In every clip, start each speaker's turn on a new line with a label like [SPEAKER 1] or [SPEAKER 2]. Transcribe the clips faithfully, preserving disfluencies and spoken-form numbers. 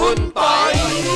[SPEAKER 1] คุณปอย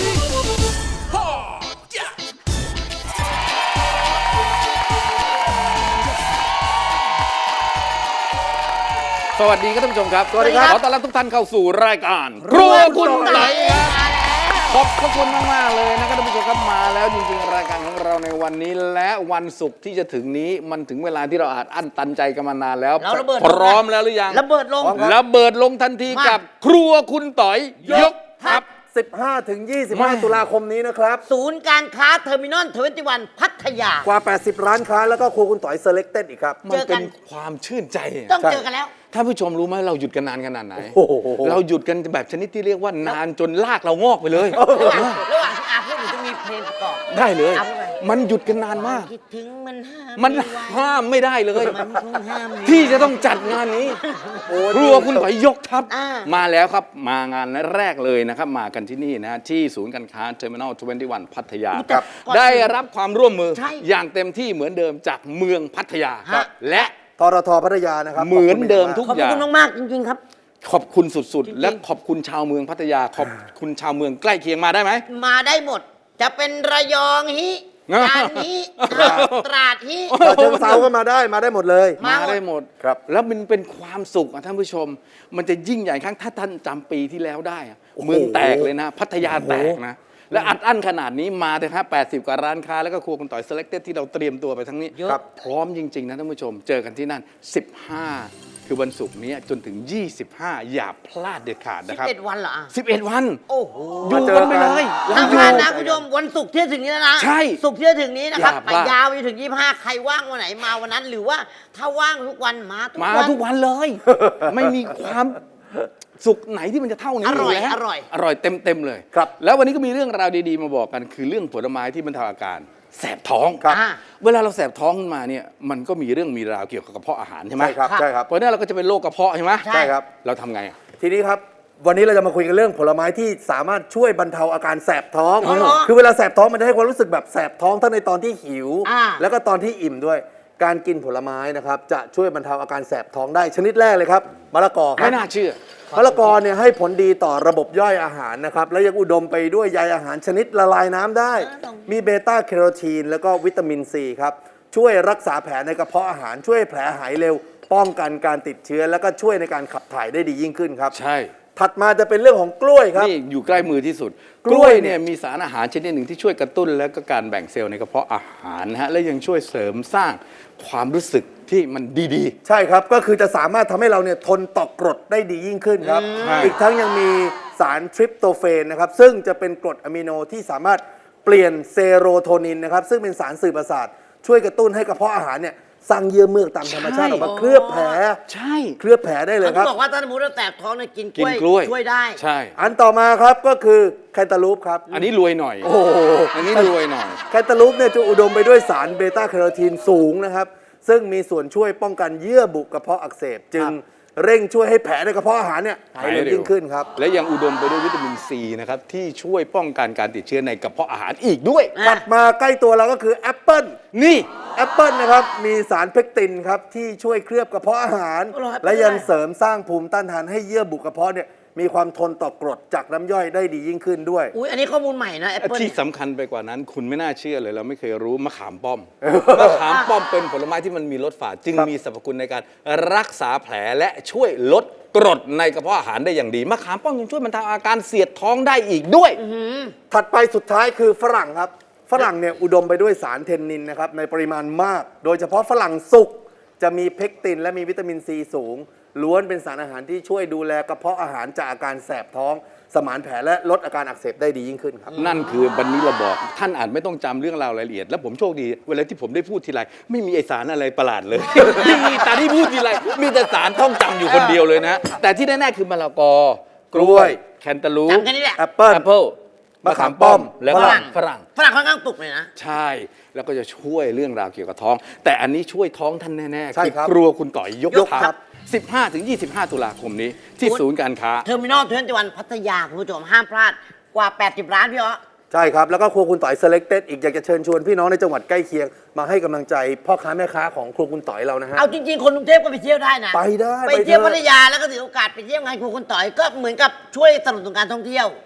[SPEAKER 1] สวัสดีครับท่านผู้ชมครับสวัสดีครับขอต้อนรับทุกท่านเข้าสู่รายการครัวคุณปอยครับขอบพระคุณมากๆเลยนะครับท่านผู้ชมครับมาแล้วจริงๆรายการของเราในวันนี้และวันศุกร์ที่จะถึงนี้มันถึงเวลาที่เราอาจอั้นตันใจกันมานานแล้วพร้อมแล้วหรือยัง
[SPEAKER 2] ระเบิดลง
[SPEAKER 1] ระเบิดลงทันทีกับครัวคุณต๋อยยกทัพ
[SPEAKER 3] สิบห้าถึงยี่สิบห้า ตุลาคมนี้นะครับ
[SPEAKER 2] ศูนย์การค้าเทอร์มินอลทเวนตี้วันพัทยาก
[SPEAKER 3] ว่าแปดสิบร้านค้าแล้วก็ครัวคุณต๋อยเซเล็กเต็ดอีกครับ
[SPEAKER 1] มันเป็นความชื่นใจ
[SPEAKER 2] ต้องเจอกันแล้ว
[SPEAKER 1] ท่านผู้ชมรู้ไหมเราหยุดกันนานขนาดไหนเราหยุดกันแบบชนิดที่เรียกว่านานจนลากเรางอกไปเลย
[SPEAKER 2] ระหว่างระหว่างอาพูดจะมีเพลงประกอบ
[SPEAKER 1] ได้เลยมันหยุดกันนานมาก
[SPEAKER 2] คิดถึงมันห้าม
[SPEAKER 1] มันห้ามไม่ได้เลยที่จะต้องจัดงานนี้ครัวคุณต๋อยยกทัพมาแล้วครับมางานแรกเลยนะครับมากันที่นี่นะที่ศูนย์การค้าเทอร์มินอลทเวนตี้วันพัทยาได้รับความร่วมมืออย่างเต็มที่เหมือนเดิมจากเมืองพัทยาและ
[SPEAKER 3] ทรทพัทยานะครับ
[SPEAKER 1] เหมือนเดิมทุกอย่าง
[SPEAKER 2] ขอบคุณมากๆจริงๆครับ
[SPEAKER 1] ขอบคุณสุดๆและขอบคุณชาวเมืองพัทยาขอบคุณชาวเมืองใกล้เคียงมาได้ไหม
[SPEAKER 2] มาได้หมดจะเป็นระยองฮิการฮิตราดฮิ
[SPEAKER 3] เชิงเซาก็มาได้มาได้หมดเลย
[SPEAKER 1] มาได้หมด
[SPEAKER 3] ครับ
[SPEAKER 1] แล้วมันเป็นความสุขท่านผู้ชมมันจะยิ่งใหญ่ครั้งถ้าท่านจำปีที่แล้วได้เมืองแตกเลยนะพัทยาแตกนะและอัดอั้นขนาดนี้มาเลยครับแปดสิบกว่าร้านค้าแล้วก็ครัวคุณต๋อย Selected ที่เราเตรียมตัวไปทั้งนี้พร้อมจริงๆนะท่านผู้ชมเจอกันที่นั่นสิบห้าคือวันศุกร์นี้จนถึงยี่สิบห้าอย่าพลาดเด็ดขาดนะครับ
[SPEAKER 2] สิบเอ็ดวันเหรอ
[SPEAKER 1] สิบเอ็ดวัน
[SPEAKER 2] โอ้โห
[SPEAKER 1] อยู่กันไปเลย
[SPEAKER 2] ห้ามพลาดนะคุณผู้ชมวันศุกร์ที่ถึงนี้แล้วนะ
[SPEAKER 1] ใช่
[SPEAKER 2] ศุกร์ที่ถึงนี้นะครับไปยาวไปถึงยี่สิบห้าใครว่างวันไหนมาวันนั้นหรือว่าถ้าว่างทุกวันมาทุก
[SPEAKER 1] วันมาทุกวันเลยไม่มีความสุกไหนที่มันจะเท่านี้
[SPEAKER 2] อร่อย
[SPEAKER 1] อ
[SPEAKER 2] ร่อย
[SPEAKER 1] อร่อยเต็มเต็มเลย
[SPEAKER 3] ครับ
[SPEAKER 1] แล้ววันนี้ก็มีเรื่องราวดีๆมาบอกกันคือเรื่องผลไม้ที่บรรเทาอาการแสบท้อง
[SPEAKER 3] ครับ
[SPEAKER 1] เวลาเราแสบท้องขึ้นมาเนี่ยมันก็มีเรื่องมีราวเกี่ยวกับกระเพาะอาหารใช่ไหม
[SPEAKER 3] ใช่ครับใช่ครับ
[SPEAKER 1] เพราะนั้นเราก็จะเป็นโรคกระเพาะใช่ไหม
[SPEAKER 3] ใช่ครับ
[SPEAKER 1] เราทำไงอ่ะ
[SPEAKER 3] ทีนี้ครับวันนี้เราจะมาคุยกันเรื่องผลไม้ที่สามารถช่วยบรรเทาอาการแสบท้องคือเวลาแสบท้องมันจะให้ความรู้สึกแบบแสบท้องทั้งในตอนที่หิวแล้วก็ตอนที่อิ่มด้วยการกินผลไม้นะครับจะช่วยบรรเทาอาการแสบท้องได้ชนิดแรกเลยครับมะละกอครับ
[SPEAKER 1] ไม่น่าเชื่อ
[SPEAKER 3] มะละกอเนี่ยให้ผลดีต่อระบบย่อยอาหารนะครับและยังอุดมไปด้วยใยอาหารชนิดละลายน้ำได้มีเบต้าแคโรทีนแล้วก็วิตามินซีครับช่วยรักษาแผลในกระเพาะอาหารช่วยแผลหายเร็วป้องกันการติดเชื้อแล้วก็ช่วยในการขับถ่ายได้ดียิ่งขึ้นครับ
[SPEAKER 1] ใช่
[SPEAKER 3] ถัดมาจะเป็นเรื่องของกล้วยครับ
[SPEAKER 1] นี่อยู่ใกล้มือที่สุดกล้วยเนี่ยมีสารอาหารชนิดหนึ่งที่ช่วยกระตุ้นและก็การแบ่งเซลล์ในกระเพาะอาหารนะฮะและยังช่วยเสริมสร้างความรู้สึกที่มันดี
[SPEAKER 3] ๆใช่ครับก็คือจะสามารถทำให้เราเนี่ยทนต่อกรดได้ดียิ่งขึ้นครับอีกทั้งยังมีสารทริปโตเฟนนะครับซึ่งจะเป็นกรดอะมิโนที่สามารถเปลี่ยนเซโรโทนินนะครับซึ่งเป็นสารสื่อประสาทช่วยกระตุ้นให้กระเพาะอาหารเนี่ยสร้างเยื่อเมือกตามธรรมชาติออกมาเคลือบแผล
[SPEAKER 1] ใช่
[SPEAKER 3] เคลือบแผลได้เลยครับ
[SPEAKER 2] เขาบอกว่าถ้าสมมติเราแสบท้องเนี่ยกินก
[SPEAKER 1] ล้วย
[SPEAKER 2] ช่วยได้
[SPEAKER 1] ใช่
[SPEAKER 3] อันต่อมาครับก็คือแคนตาลูปครับ
[SPEAKER 1] อันนี้รวยหน่อย
[SPEAKER 3] โอ้
[SPEAKER 1] อันนี้รวยหน่อย
[SPEAKER 3] แคนตาลูปเนี่ยจะอุดมไปด้วยสารเบต้าแคโรทีนสูงนะครับซึ่งมีส่วนช่วยป้องกันเยื่อบุกระเพาะอักเสบจึงเร่งช่วยให้แผลในกระเพาะอาหารเนี่ยหายเร็วยิ่งขึ้นครับ
[SPEAKER 1] และยังอุดมไปด้วยวิตามินซีนะครับที่ช่วยป้องกันการติดเชื้อในกระเพาะอาหารอีกด้วย
[SPEAKER 3] ถัดมาใกล้ตัวเราก็คือแอปเปิ้ล
[SPEAKER 1] นี่
[SPEAKER 3] แอปเปิ้ลนะครับมีสารเพคตินครับที่ช่วยเคลือบกระเพาะอาหารและยังเสริมสร้างภูมิต้านทานให้เยื่อบุกระเพาะเนี่ยมีความทนต่อกรดจากน้ำย่อยได้ดียิ่งขึ้นด้วย
[SPEAKER 2] อุ้ยอันนี้ข้อมูลใหม่นะแอปเปิ้ล
[SPEAKER 1] ที่สำคัญไปกว่านั้นคุณไม่น่าเชื่อเลยเราไม่เคยรู้มะขามป้อมมะขามป้อมเป็นผลไม้ที่มันมีรสฝาดจึงมีสรรพคุณในการรักษาแผลและช่วยลดกรดในกระเพาะอาหารได้อย่างดีมะขามป้อมยังช่วยบรรเทาอาการเสียดท้องได้อีกด้วย
[SPEAKER 3] ถัดไปสุดท้ายคือฝรั่งครับฝรั่งเนี่ยอุดมไปด้วยสารเทนนินนะครับในปริมาณมากโดยเฉพาะฝรั่งสุกจะมีเพคตินและมีวิตามินซีสูงล้วนเป็นสารอาหารที่ช่วยดูแลกระเพาะอาหารจากอาการแสบท้องสมานแผลและลดอาการอักเสบได้ดียิ่งขึ้นครับ
[SPEAKER 1] นั่นคือวันนี้เราบอกท่านอาจไม่ต้องจำเรื่องราวรายละเอียดและผมโชคดีเวลาที่ผมได้พูดทีไรไม่มีไอสารอะไรประหลาดเลยมีแต่ที่พูดทีไรมีแต่สารท่องจำอยู่คนเดียวเลยนะแต่ที่แน่ๆคือมะละกอกล้วยแคนตาลูป
[SPEAKER 3] แอปเปิ้ล
[SPEAKER 1] แอปเปิ้ลมะขามป้อมและฝรั่งฝรั่ง
[SPEAKER 2] ฝรั่งค่อนข้างปลุกเลยนะ
[SPEAKER 1] ใช่แล้วก็จะช่วยเรื่องราวเกี่ยวกับท้องแต่อันนี้ช่วยท้องท่านแน่ๆคือกลัวคุณต่อยยกทัพสิบห้าถึงยี่สิบห้า ตุลาคมนี้ที่ศูนย์การค้า
[SPEAKER 2] เทอร์มินอลทเวนตี้วันพัทยาคุณผู้ชมห้ามพลาดกว่าแปดสิบร้านพี่อ๋อ
[SPEAKER 3] ใช่ครับแล้วก็ครัวคุณต๋อย Selected อีกอยากจะเชิญชวนพี่น้องในจังหวัดใกล้เคียงมาให้กำลังใจพ่อค้าแม่ค้าของครัวคุณต๋อยเรานะฮะ
[SPEAKER 2] เอาจริงๆคนกรุงเทพก็ไปเที่ยวได้นะ
[SPEAKER 3] ไปได้
[SPEAKER 2] ไปเที่ยวพัทยาแล้วก็ถือโอกาสไปเที่ยวงานครัวคุณต๋อยก็เหมือนกับช่วยสนับสนุนการท่องเที่ยว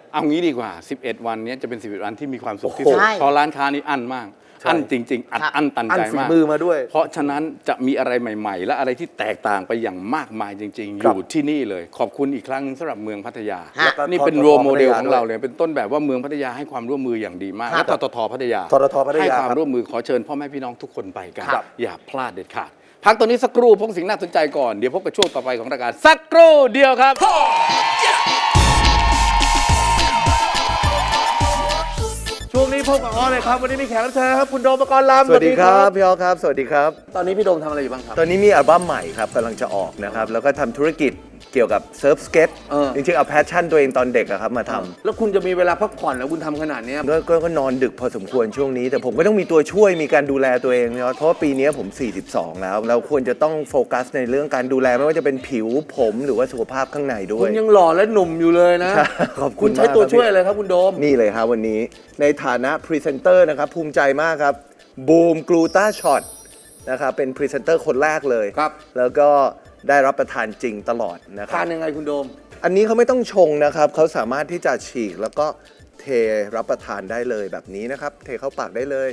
[SPEAKER 1] เอางี้ดีกว่า สิบเอ็ด วันเนี้ยจะเป็น สิบเอ็ด วันที่มีความสุขที่
[SPEAKER 3] โอ้
[SPEAKER 1] สุ
[SPEAKER 3] โห
[SPEAKER 1] ด
[SPEAKER 2] ใช่
[SPEAKER 1] เพราะร้านค้านี้อั้นมาก
[SPEAKER 3] ใช่
[SPEAKER 1] อั้นจริง ๆ อัด
[SPEAKER 2] ครับ
[SPEAKER 1] อั้นตัน
[SPEAKER 3] อัน
[SPEAKER 1] ใจ
[SPEAKER 3] ฝี
[SPEAKER 1] มาก
[SPEAKER 3] มือมาด้วย
[SPEAKER 1] เพราะฉะนั้นจะมีอะไรใหม่ ๆ และอะไรที่แตกต่างไปอย่างมากมายจริง ๆ อ
[SPEAKER 3] ครับ
[SPEAKER 1] ยู่ที่นี่เลย ขอบคุณอีกครั้งสำหรับเมืองพัทยา
[SPEAKER 2] ฮะ
[SPEAKER 3] แล้วก็
[SPEAKER 1] นี่เป็น
[SPEAKER 3] ทท
[SPEAKER 1] โรโมเดล
[SPEAKER 3] พัทยา
[SPEAKER 1] ของเรา
[SPEAKER 3] ด้วย
[SPEAKER 1] เลยเป็นต้นแบบว่าเมืองพัทยาให้ความร่วมมืออย่างดีมาก
[SPEAKER 2] ครั
[SPEAKER 1] และ
[SPEAKER 2] บ
[SPEAKER 1] ทททพัทยา
[SPEAKER 3] ทททพัทยา
[SPEAKER 1] ให้ความ
[SPEAKER 3] ครับ
[SPEAKER 1] ร่วมมือขอเชิญพ่อแม่พี่น้องทุกคนไปกัน
[SPEAKER 3] ครับ
[SPEAKER 1] อย่าพลาดเด็ดขาดพักตัวนี้สักครู่พบสิ่งน่าสนใจก่อนเดี๋ยวพบกับช่วงต่อไปของรายการสักครู่เดียวครับ
[SPEAKER 3] ช่วงนี้พบกับออเลยครับ วันนี้มีแขกรับเชิญครับคุณโดมปกรณ์ลำ
[SPEAKER 4] สวัสดีครับพี่อ๋อครับ สวัสดีครับ
[SPEAKER 3] ตอนนี้พี่โดมทำอะไรอยู่บ้างครับ
[SPEAKER 4] ตอนนี้มีอัลบั้มใหม่ครับกำลังจะออกนะครับ แล้วก็ทำธุรกิจเกี่ยวกับเซิร์ฟสเก็ต
[SPEAKER 3] เออ
[SPEAKER 4] จริงๆ เอาแพชชั่นตัวเองตอนเด็กอะครับมาทำ
[SPEAKER 3] แล้วคุณจะมีเวลาพักผ่อนแล้วคุณทำขนาดเนี้ย
[SPEAKER 4] ก็ก็ก็นอนดึกพอสมควรช่วงนี้ แต่ผมก็ต้องมีตัวช่วยมีการดูแลตัวเองนะครับเพราะว่าปีนี้ผม สี่สิบสอง แล้ว เราควรจะต้องโฟกัสในเรื่องการดูแลไม่ว่าจะเป็นผิวผมหรือว่าสุขภาพข้างในด้ว
[SPEAKER 3] คุ
[SPEAKER 4] ย
[SPEAKER 3] ณยังหล่อและหนุ่มอยู่เลยนะ
[SPEAKER 4] ใช่ขอบคุณ
[SPEAKER 3] ณใช้
[SPEAKER 4] มาก
[SPEAKER 3] ตัว
[SPEAKER 4] ครับ
[SPEAKER 3] ช่วย
[SPEAKER 4] พี่
[SPEAKER 3] อะไรครับคุณโดม
[SPEAKER 4] นี่เลยครับวันนี้ในฐานะพรีเซนเตอร์นะครับภูมิใจมากครับบูมกลูตาช็อตนะครับเป็นพรีเซนเตอร์คนแรกเลย
[SPEAKER 3] ครับ
[SPEAKER 4] แล้วก็ได้รับประทานจริงตลอดนะค
[SPEAKER 3] ทา
[SPEAKER 4] รับ
[SPEAKER 3] นยังไงคุณโดม
[SPEAKER 4] อันนี้เขาไม่ต้องชงนะครับเขาสามารถที่จะฉีกแล้วก็เทรับประทานได้เลยแบบนี้นะครับ เทเข้าปากได้เลย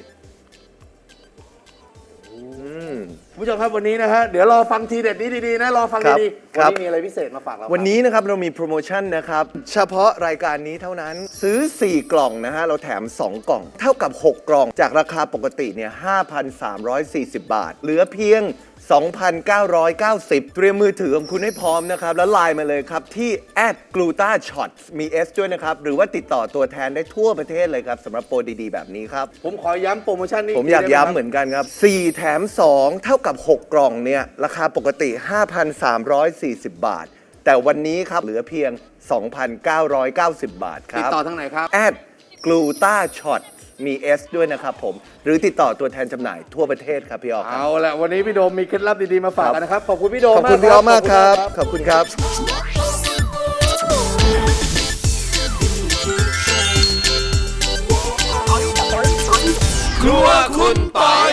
[SPEAKER 4] อืม
[SPEAKER 3] คุณผู้ชมครับวันนี้นะฮะเดี๋ยวรอฟังทีเด็ดนี้ดีๆนะรอฟัง
[SPEAKER 4] ครับ
[SPEAKER 3] ดีๆ
[SPEAKER 4] ครั
[SPEAKER 3] วัน
[SPEAKER 4] บ
[SPEAKER 3] นี้มีอะไรพิเศษมาฝากเราครับ
[SPEAKER 4] วันนี้นะครับเรามีโปรโมชั่นนะครับ เฉพาะรายการนี้เท่านั้นซื้อ สี่ กล่องนะฮะเราแถม สอง กล่อง เท่ากับ หก กล่องจากราคาปกติเนี่ย ห้าพันสามร้อยสี่สิบ บาท เหลือเพียง สองพันเก้าร้อยเก้าสิบ เตรียมมือถือของคุณให้พร้อมนะครับ แล้วไลน์มาเลยครับ ที่ แอท กลูตาช็อต มี S ด้วยนะครับ หรือว่าติดต่อตัวแทนได้ทั่วประเทศเลยครับสำหรับโปรดีๆ แบบนี้ครับ
[SPEAKER 3] ผมขอย้ำโปรโมชั่นนี้
[SPEAKER 4] ผมอยาก
[SPEAKER 3] ทีได้ไ
[SPEAKER 4] ย้ำเหมือนกันครับ สี่ แถม สอง เท่ากับ หก กล่องเนี่ย ราคาปกติ ห้าพันสามร้อยสี่สิบ บาท แต่วันนี้ครับ เหลือเพียง สองพันเก้าร้อยเก้าสิบ บาทค
[SPEAKER 3] ติด
[SPEAKER 4] รับ
[SPEAKER 3] ต่อทางไหนครับ
[SPEAKER 4] แอดกลูตาช็อตมี S ด้วยนะครับผม หรือติดต่อตัวแทนจำหน่ายทั่วประเทศครับพี่ออฟครับ
[SPEAKER 3] เอาละวันนี้พี่โดมมีเคล็ดลับดีๆมาฝากกันนะครับ ขอบคุณพี่โดม
[SPEAKER 4] ขอบคุณพี่ออฟมากครับ ขอบคุณครับ
[SPEAKER 1] ครัวคุณปอย